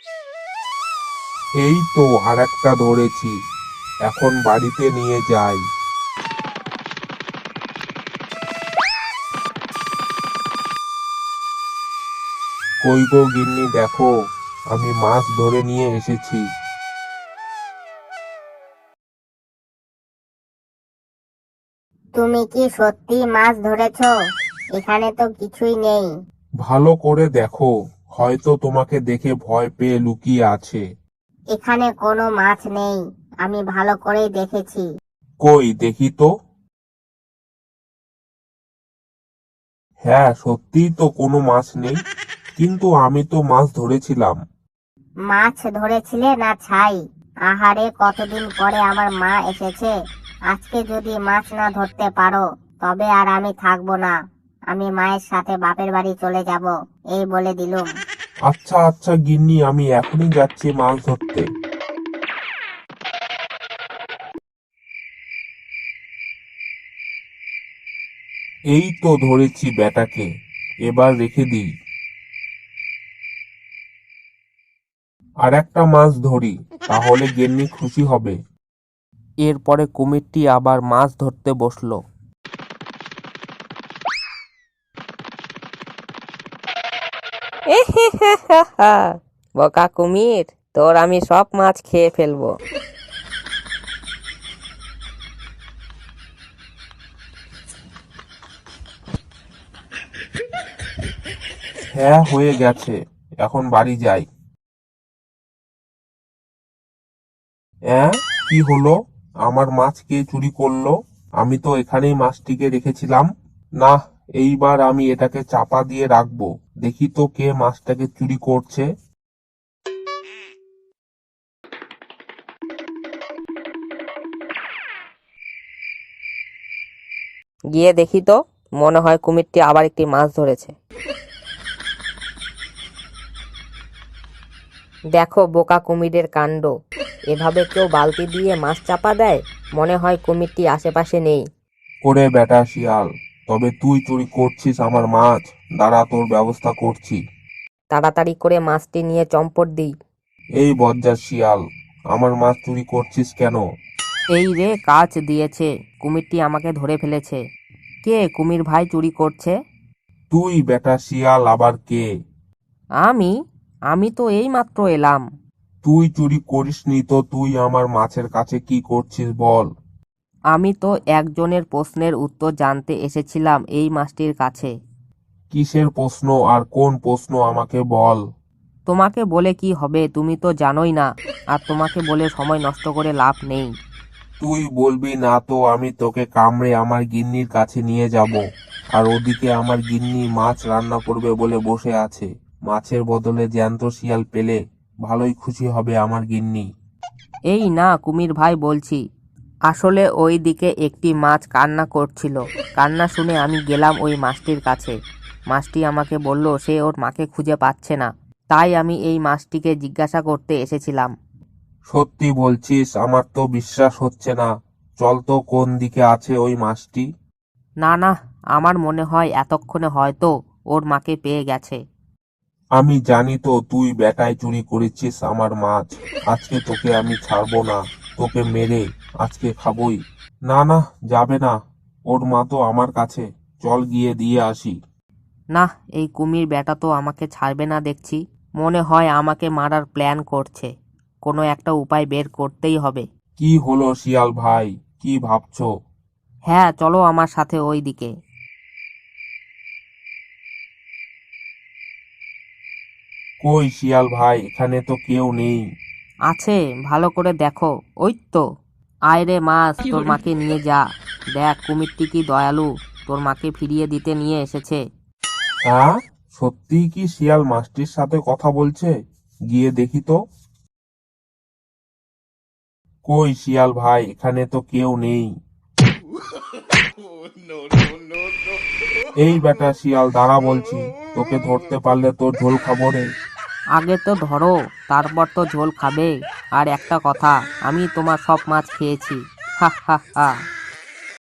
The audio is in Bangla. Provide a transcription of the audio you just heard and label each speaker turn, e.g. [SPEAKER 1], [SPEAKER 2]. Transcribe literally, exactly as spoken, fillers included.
[SPEAKER 1] এই তো আরেকটা ধরেছি, এখন বাড়িতে নিয়ে যাই। কই গো গিন্নি, দেখো আমি মাছ ধরে নিয়ে এসেছি।
[SPEAKER 2] তুমি কি সত্যি মাছ ধরেছো? এখানে তো কিছুই নেই।
[SPEAKER 1] ভালো করে দেখো, হয়তো তোমাকে দেখে ভয় পেয়ে লুকিয়ে আছে।
[SPEAKER 2] এখানে কোনো মাছ নেই, আমি ভালো করেই দেখেছি।
[SPEAKER 1] কই দেখি তো। হ্যাঁ, সত্যিই তো কোনো মাছ নেই, কিন্তু আমি তো মাছ ধরেছিলাম।
[SPEAKER 2] মাছ ধরেছিলে না ছাই? আহারে, কতদিন পরে আমার মা এসেছে। আজকে যদি মাছ না ধরতে পারো তবে আর আমি থাকবো না। আমি মায়ের সাথে বাপের বাড়ি চলে যাব, এই বলে দিলুম।
[SPEAKER 1] আচ্ছা আচ্ছা গিন্নি, আমি এখনই যাচ্ছি মাছ ধরতে। এই তো ধরেছি বেটাকে, এবার রেখে দিই। আর একটা মাছ ধরি, তাহলে গিন্নি খুশি হবে।
[SPEAKER 3] এরপরে কুমিরটি আবার মাছ ধরতে বসলো। বোকা কুমির, তোর আমি সব মাছ খেয়ে ফেলবো।
[SPEAKER 1] হ্যাঁ, হয়ে গেছে, এখন বাড়ি যাই। হ্যাঁ, কি হলো? আমার মাছ কে চুরি করলো? আমি তো এখানেই মাছটিকে রেখেছিলাম। না, এইবার আমি এটাকে চাপা দিয়ে রাখবো, দেখি তো কে মাছটাকে চুরি করছে।
[SPEAKER 3] গিয়ে দেখি তো, মনে হয় কুমিরটি আবার একটি মাছ ধরেছে। দেখো বোকা কুমিরের কাণ্ড, এভাবে কেউ বালতি দিয়ে মাছ চাপা দেয়? মনে হয় কুমিরটি আশেপাশে নেই।
[SPEAKER 1] ওরে বেটা শিয়াল, তবে তুই চুরি করছিস আমার মাছ। দাঁড়া, তোর ব্যবস্থা করছি।
[SPEAKER 3] তাড়াতাড়ি করে মাছটি নিয়ে চম্পট দিই।
[SPEAKER 1] এই বজ্জাত শিয়াল, আমার মাছ চুরি করছিস কেন?
[SPEAKER 3] এই রে, কাজ দিয়েছে, কুমিরটি আমাকে ধরে ফেলেছে। কে কুমির ভাই চুরি করছে?
[SPEAKER 1] তুই বেটা শিয়াল, আবার কে?
[SPEAKER 3] আমি আমি তো এই মাত্র এলাম।
[SPEAKER 1] তুই চুরি করিসনি তো তুই আমার মাছের কাছে কি করছিস বল?
[SPEAKER 3] আমি তো একজনের প্রশ্নের উত্তর জানতে এসেছিলাম এই মাছটির কাছে।
[SPEAKER 1] কিসের প্রশ্ন আর কোন প্রশ্ন আমাকে বল।
[SPEAKER 3] তোমাকে বলে কি হবে, তুমি তো জানোই না, আর তোমাকে বলে সময় নষ্ট করে লাভ নেই।
[SPEAKER 1] তুই বলবি না তো আমি তোকে কামড়ে আমার গিন্নির কাছে নিয়ে যাব। আর ওদিকে আমার গিন্নি মাছ রান্না করবে বলে বসে আছে। মাছের বদলে জ্যান্ত শিয়াল পেলে ভালোই খুশি হবে আমার গিন্নি।
[SPEAKER 3] এই না কুমির ভাই, বলছি আসলে ওই দিকে একটি মাছ কান্না করছিল। কান্না শুনে আমি গেলাম ওই মাছটির কাছে। মাছটি আমাকে বলল সে ওর মাকে খুঁজে পাচ্ছে না, তাই আমি এই মাছটিকে জিজ্ঞাসা করতে এসেছিলাম।
[SPEAKER 1] সত্যি বলছিস? আমার তো বিশ্বাস হচ্ছে না। চল তো, কোন দিকে আছে ওই মাছটি?
[SPEAKER 3] না না, আমার মনে হয় এতক্ষণে হয়তো ওর মাকে পেয়ে গেছে।
[SPEAKER 1] আমি জানি তো তুই বেটায় চুরি করেছিস আমার মাছ। আজকে তোকে আমি ছাড়বো না, তোকে মেরে আজকে খাবই। না না, যাবে না, ওর মা তো আমার কাছে। চল গিয়ে দিয়ে আসি।
[SPEAKER 3] না, এই কুমির বেটা তো আমাকে ছাড়বে না দেখছি। মনে হয় আমাকে মারার প্ল্যান করছে। কোনো একটা উপায় বের করতেই হবে।
[SPEAKER 1] কি হলো শিয়াল ভাই, কি ভাবছো?
[SPEAKER 3] হ্যাঁ, চলো আমার সাথে ওই দিকে।
[SPEAKER 1] কই শিয়াল ভাই, এখানে তো কেউ নেই।
[SPEAKER 3] আছে, ভালো করে দেখো। ওই তো। আয় রে মাছ, তোর মাকে নিয়ে যা। দেখ কুমিরটি কি দয়ালু, তোর মাকে ফিরিয়ে দিতে নিয়ে এসেছে।
[SPEAKER 1] হ্যাঁ, সত্যিই কি শিয়াল মাছটির সাথে কথা বলছে? গিয়ে দেখি তো। কই শিয়াল ভাই, এখানে তো কেউ নেই। এই বেটা শিয়াল, দাঁড়া বলছি, তোকে ধরতে পারলে তোর ঝোল খাবো রে।
[SPEAKER 3] আগে তো ধরো, তারপর তো ঝোল খাবে। আর একটা কথা, আমি তোমার সব মাছ খেয়েছি। হা হা হা।